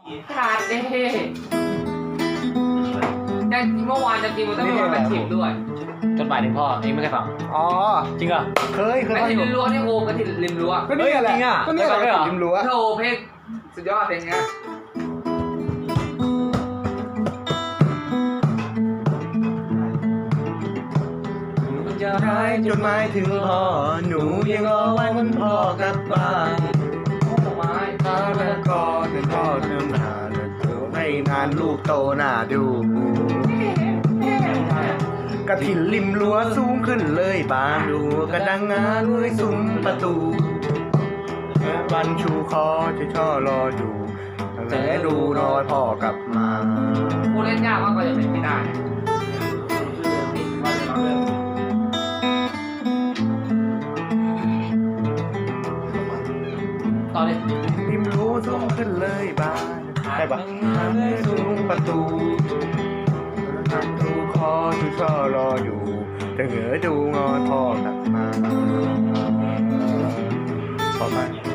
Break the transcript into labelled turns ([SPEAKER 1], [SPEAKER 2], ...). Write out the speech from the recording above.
[SPEAKER 1] ขาดเด้แต่เมื่อวานจะกินมันต้องมีแบบถิบด้วย
[SPEAKER 2] จดหมายถึงพ่อเองไม่เคยฟัง
[SPEAKER 3] อ๋อ
[SPEAKER 2] จริงเหรอ
[SPEAKER 3] เคย
[SPEAKER 1] กระถิ่นริมรั้วนี่โอกระถิ่นริมรั้ว
[SPEAKER 3] ก็นี่แหละ
[SPEAKER 2] จริงอะ
[SPEAKER 3] ก็นี่แหละ
[SPEAKER 2] ไม่ฟังด้วยเหรอ
[SPEAKER 3] ริมรั้ว
[SPEAKER 1] โธ่เพลงสุดยอดเพลงเนี้ย
[SPEAKER 3] จะร้ายจดหมายถึงพ่อหนูยังรอวันพ่อกลับบ้าน
[SPEAKER 1] โอ้ไม้
[SPEAKER 3] ถ้าแล้วก็เป็นพ่อเดินหาให้นานลูกโตหน้าดูกระถิ่นริมรั้วสูงขึ้นเลยบานดูกระดังงาด้วยซุ้มประตูวันชูคอจะช่อรออยู่แต่ดูรอยพ่อกลับมา
[SPEAKER 1] ผู้เล่นยากมากกว่าจะเป็นไม่ได้
[SPEAKER 2] ตอนนี้
[SPEAKER 3] ริมรั้วสูงขึ้นเลยบานได้ปะด้วยซุ้มประตูดูคอจะช่อรออยู่แต่เหงือดูงอพ่อกลับมาพอไหม